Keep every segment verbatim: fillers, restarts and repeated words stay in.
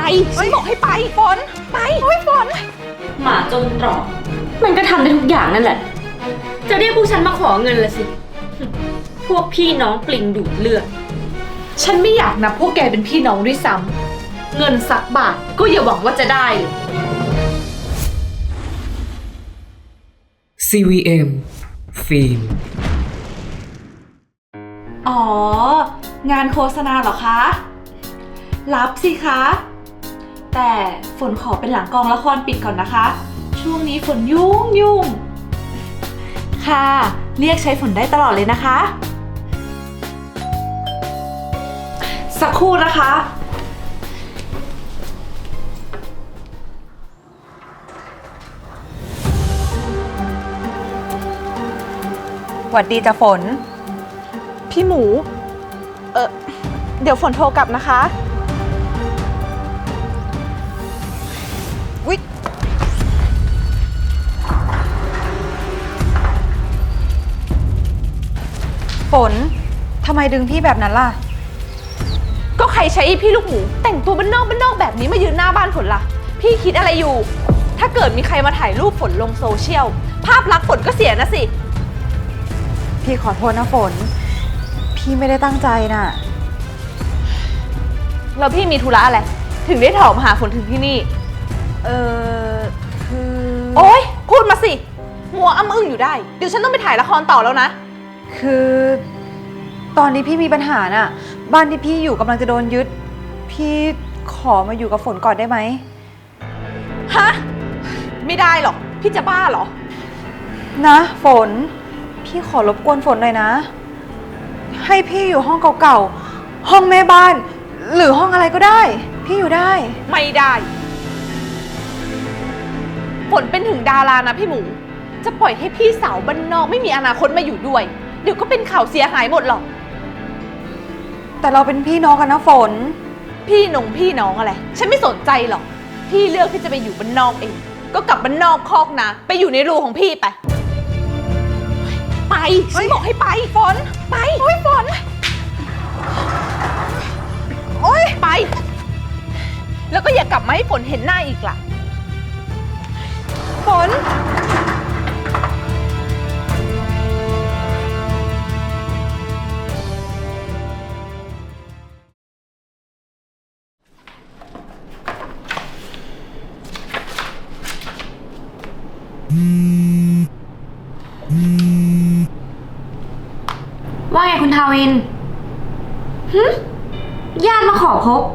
ฉันบอกให้ไปฝนไปโอ้ยฝนหมาจนตรอกมันก็ทำได้ทุกอย่างนั่นแหละจะเรียกพวกฉันมาขอเงินละสิพวกพี่น้องปลิงดูดเลือดฉันไม่อยากนับพวกแกเป็นพี่น้องด้วยซ้ำเงินสักบาทก็อย่าหวังว่าจะได้เลยซี วี เอ็ม ฟิล์มอ๋อ งานโฆษณาเหรอคะ รับสิคะ แต่ฝนขอเป็นหลังกองละครปิดก่อนนะคะ ช่วงนี้ฝนยุ่งยุ่งค่ะ เรียกใช้ฝนได้ตลอดเลยนะคะ สักครู่นะคะหวัดดีจ้ะฝนพี่หมู เออเดี๋ยวฝนโทรกลับนะคะวิฝนทำไมดึงพี่แบบนั้นล่ะก็ใครใช้พี่ลูกหมูแต่งตัวบ้านนอกบ้านนอกแบบนี้มายืนหน้าบ้านฝนล่ะพี่คิดอะไรอยู่ ถ้าเกิดมีใครมาถ่ายรูปฝนลงโซเชียลภาพลักษณ์ฝนก็เสียนะสิพี่ขอโทษนะฝนพี่ไม่ได้ตั้งใจน่ะแล้วพี่มีธุระอะไรถึงได้ถอมาหาฝนถึงที่นี่เออคือโอ๊ยพูดมาสิมัวอ้ำอึ้งอยู่ได้เดี๋ยวฉันต้องไปถ่ายละครต่อแล้วนะคือตอนนี้พี่มีปัญหาน่ะบ้านที่พี่อยู่กำลังจะโดนยึดพี่ขอมาอยู่กับฝนก่อนได้ไหมฮะไม่ได้หรอกพี่จะบ้าเหรอนะฝนพี่ขอรบกวนฝนหน่อยนะให้พี่อยู่ห้องเก่าๆห้องแม่บ้านหรือห้องอะไรก็ได้พี่อยู่ได้ไม่ได้ฝนเป็นถึงดารานะพี่หมูจะปล่อยให้พี่สาวบ้านนอกไม่มีอนาคตมาอยู่ด้วยเดี๋ยวก็เป็นข่าวเสียหายหมดหรอกแต่เราเป็นพี่น้องกันนะฝนพี่หนงพี่น้องอะไรฉันไม่สนใจหรอกพี่เลือกที่จะไปอยู่บ้านนอกเองก็กลับบ้านนอกคอกนะไปอยู่ในรูของพี่ไปไปฉันบอกให้ไปฝนไปโอ้ยฝนโอ้ยไปแล้วก็อย่ากลับมาให้ฝนเห็นหน้าอีกล่ะฝนว่าไงคุณทาวินหึญาติมาขอพบ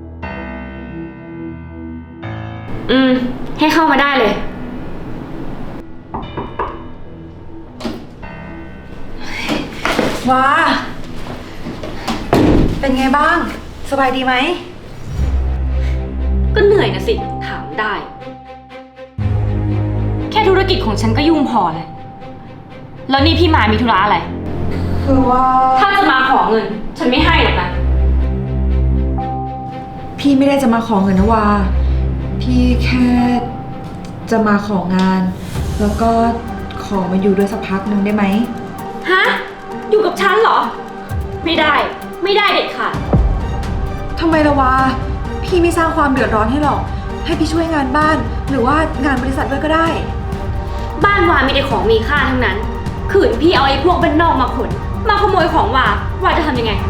อืมให้เข้ามาได้เลยว้าเป็นไงบ้างสบายดีไหมก็เหนื่อยนะสิถามได้แค่ธุรกิจของฉันก็ยุ่งพอเลยแล้วนี่พี่มามีธุระอะไรคือว่าถ้าจะมาขอเงินฉันไม่ให้หรอกนะพี่ไม่ได้จะมาของเงินนะวาพี่แค่จะมาของานแล้วก็ขอมาอยู่ด้วยสักพักหนึ่งได้ไหมฮะอยู่กับฉันเหรอไม่ได้ไม่ได้เด็ดขาดทำไมละวาพี่ไม่สร้างความเดือดร้อนให้หรอกให้พี่ช่วยงานบ้านหรือว่างานบริษัทด้วยก็ได้บ้านวามีแต่ของมีค่าทั้งนั้นขืนพี่เอาไอ้พวกบ้านนอกมาขนมาขโมยของวาวาจะทำยังไง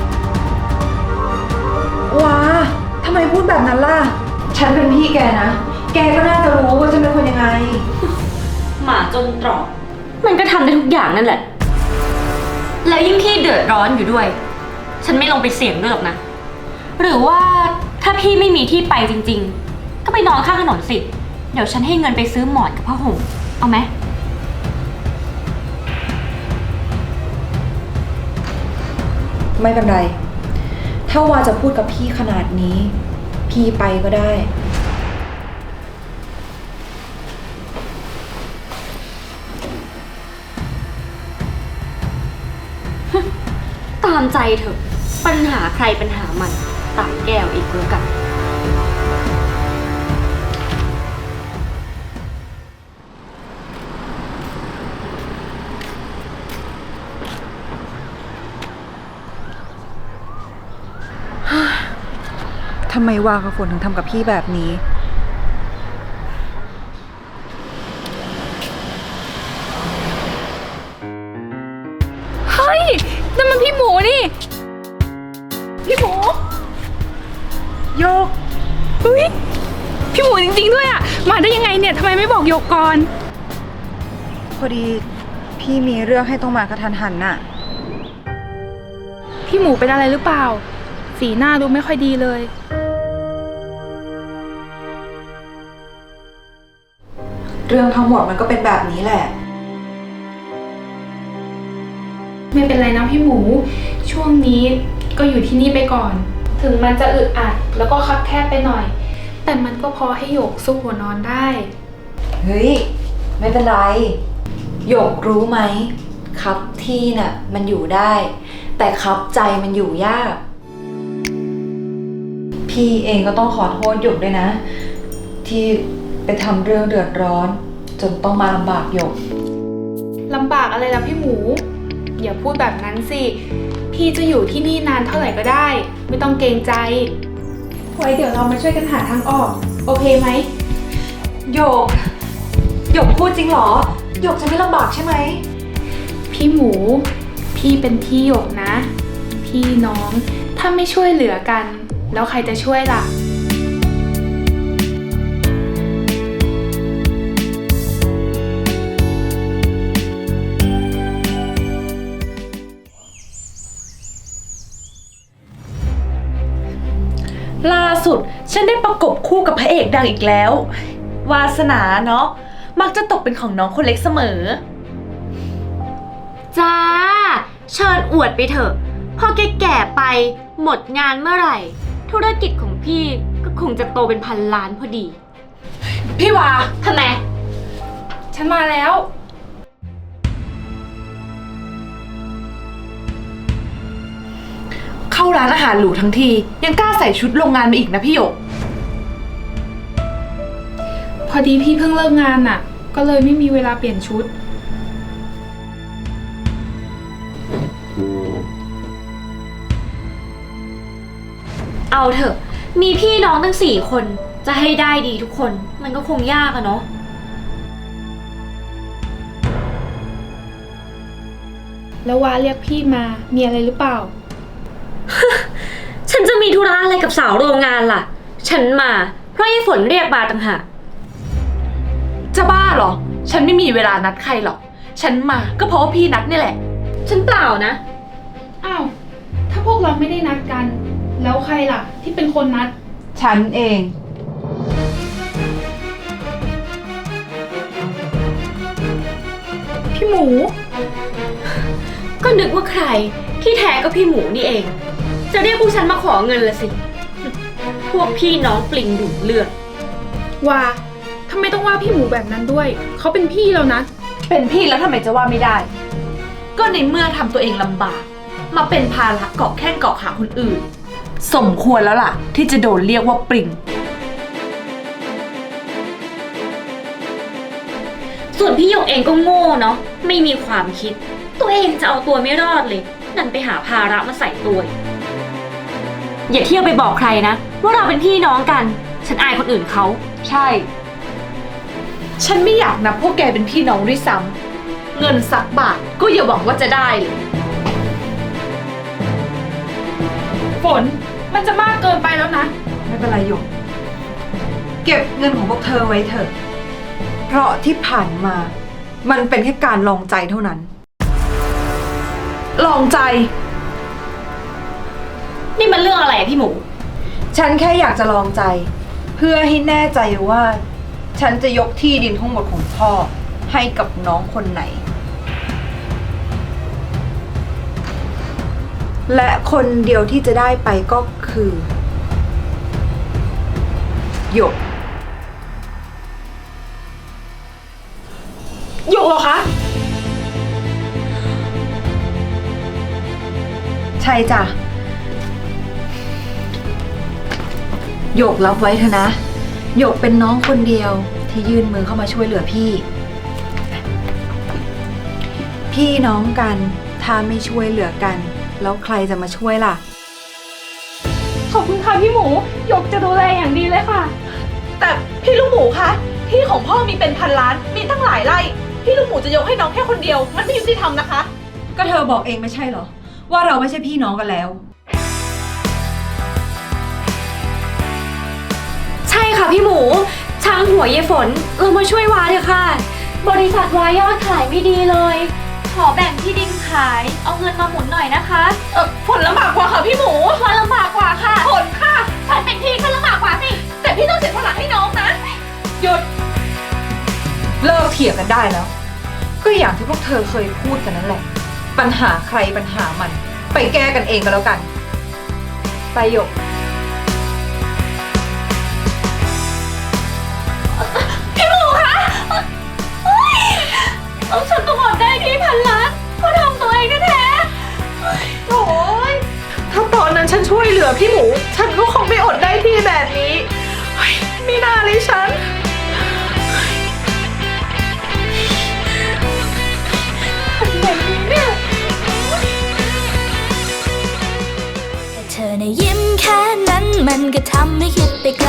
ว้าทำไมพูดแบบนั้นล่ะฉันเป็นพี่แกนะแกก็น่าจะรู้ว่าฉันเป็นคนยังไงหมาจนตรอกมันก็ทำได้ทุกอย่างนั่นแหละแล้วยิ่งพี่เดือดร้อนอยู่ด้วยฉันไม่ลงไปเสี่ยงด้วยหรอกนะหรือว่าถ้าพี่ไม่มีที่ไปจริงๆก็ไปนอนข้างถนนสิเดี๋ยวฉันให้เงินไปซื้อหมอนกับผ้าห่มเอาไหมไม่เป็นไรถ้าวาจะพูดกับพี่ขนาดนี้พี่ไปก็ได้ตามใจเถอะปัญหาใครปัญหามันตามแก้วอีกแล้วกันทำไมวากับฝนถึงทำกับพี่แบบนี้เฮ้ยนั่นมันพี่หมูนี่ พี่หมูโยกเฮ้ย พี่หมูจริงๆด้วยอ่ะ มาได้ยังไงเนี่ยทำไมไม่บอกโยกก่อนพอดีพี่มีเรื่องให้ต้องมากระทันหันน่ะพี่หมูเป็นอะไรหรือเปล่า สีหน้าดูไม่ค่อยดีเลยเรื่องทั้งหมดมันก็เป็นแบบนี้แหละไม่เป็นไรนะพี่หมู ช่วงนี้ก็อยู่ที่นี่ไปก่อน ถึงมันจะอึดอัดแล้วก็คับแคบไปหน่อย แต่มันก็พอให้โยกซุกหัวนอนได้เฮ้ย ไม่เป็นไรหยกรู้ไหมครับที่น่ะมันอยู่ได้ แต่ครับใจมันอยู่ยาก พี่เองก็ต้องขอโทษหยกด้วยนะ ที่ไปทำเรื่องเดือดร้อน จนต้องมาลำบากหยกลำบากอะไรล่ะพี่หมู อย่าพูดแบบนั้นสิ พี่จะอยู่ที่นี่นานเท่าไหร่ก็ได้ ไม่ต้องเกรงใจ ไว้เดี๋ยวเรามาช่วยกันหาทางออก โอเคไหมหยกหยกพูดจริงเหรอหยกจะไม่ลำบากใช่ไหมพี่หมู พี่เป็นพี่หยกนะ พี่น้องถ้าไม่ช่วยเหลือกัน แล้วใครจะช่วยล่ะล่าสุดฉันได้ประกบคู่กับพระเอกดังอีกแล้ว วาสนาเนาะมักจะตกเป็นของน้องคนเล็กเสมอจ้า เชิญอวดไปเถอะ พอแกแก่ไปหมดงานเมื่อไหร่ ธุรกิจของพี่ก็คงจะโตเป็นพันล้านพอดีพี่วาทำไมฉันมาแล้วเข้าร้านอาหารหรูทั้งทียังกล้าใส่ชุดโรงงานมาอีกนะพี่หยกพอดีพี่เพิ่งเลิกงานน่ะ ก็เลยไม่มีเวลาเปลี่ยนชุดเอาเถอะ มีพี่น้องตั้งสี่คน จะให้ได้ดีทุกคน มันก็คงยากอะเนาะแล้ววาเรียกพี่มา มีอะไรหรือเปล่าฉันจะมีธุระอะไรกับสาวโรงงานล่ะ ฉันมาเพราะไอ้ฝนเรียกมาต่างหากจะบ้าเหรอ ฉันไม่มีเวลานัดใครหรอก ฉันมาก็เพราะว่าพี่นัดนี่แหละฉันเปล่านะอ้าว ถ้าพวกเราไม่ได้นัดกัน แล้วใครล่ะ ที่เป็นคนนัดฉันเองพี่หมูก็นึกว่าใคร ที่แท้ก็พี่หมูนี่เอง จะเรียกพวกฉันมาขอเงินละสิ พวกพี่น้องปลิงดูดเลือดว่าทำไมต้องว่าพี่หมูแบบนั้นด้วย เขาเป็นพี่แล้วนะเป็นพี่แล้วทำไมจะว่าไม่ได้ ก็ในเมื่อทำตัวเองลำบาก มาเป็นภาระเกาะแข้งเกาะขาคนอื่น สมควรแล้วล่ะ ที่จะโดนเรียกว่าปริ่งส่วนพี่หยกเองก็โง่เนาะ ไม่มีความคิด ตัวเองจะเอาตัวไม่รอดเลย นั่นไปหาภาระมาใส่ตัวอีกอย่าเที่ยวไปบอกใครนะ ว่าเราเป็นพี่น้องกัน ฉันอายคนอื่นเขาใช่ ฉันไม่อยากนับพวกแกเป็นพี่น้องด้วยซ้ำเงินสักบาทก็อย่าหวังว่าจะได้เลยฝน มันจะมากเกินไปแล้วนะไม่เป็นไรหยก เก็บเงินของพวกเธอไว้เถอะ เพราะที่ผ่านมา มันเป็นแค่การลองใจเท่านั้นลองใจนี่มันเรื่องอะไรอะพี่หมูฉันแค่อยากจะลองใจ เพื่อให้แน่ใจว่า ฉันจะยกที่ดินทั้งหมดของพ่อ ให้กับน้องคนไหน และคนเดียวที่จะได้ไปก็คือหยกหยกเหรอคะใช่จ้ะหยกรับไว้เถอะนะหยกเป็นน้องคนเดียวที่ยื่นมือเข้ามาช่วยเหลือพี่ พี่น้องกันถ้าไม่ช่วยเหลือกัน แล้วใครจะมาช่วยล่ะ ฉขอบคุณค่ะพี่หมูหยกจะดูแลอย่างดีเลยค่ะแต่พี่ลูกหมูคะที่ของพ่อมีเป็นพันล้าน มีตั้งหลายไร่ พี่ลูกหมูจะยกให้น้องแค่คนเดียว มันไม่ยุติธรรมนะคะก็เธอบอกเองไม่ใช่เหรอ ว่าเราไม่ใช่พี่น้องกันแล้วใช่ค่ะพี่หมูช่างหัวเยฝนเรามาช่วยวาเถอะค่ะ บริษัทวายอดขายไม่ดีเลย ขอแบ่งที่ดินขาย เอาเงินมาหมุนหน่อยนะคะเออผลลำบากกว่าค่ะพี่หมูพอลำบากกว่าค่ะผลค่ะฉันเป็นพี่ก็ลำบากกว่าสิแต่พี่ต้องเสียสละให้น้องนะ หยุดเลิกเถียงกันได้แล้ว ก็อย่างที่พวกเธอเคยพูดกันนั่นแหละ ปัญหาใครปัญหามัน ไปแก้กันเองก็แล้วกัน ไปหยกพี่หมูคะเอาฉันต้องอดได้ที่พันล้านเพราะทำตัวเองแท้ๆโอ้ยถ้าตอนนั้นฉันช่วยเหลือพี่หมู ฉันก็คงไม่อดได้ที่แบบนี้เฮ้ยไม่น่าเลยฉันเธอในะยิ้มแค่นั้นมันก็ทำให้คิดไปไกล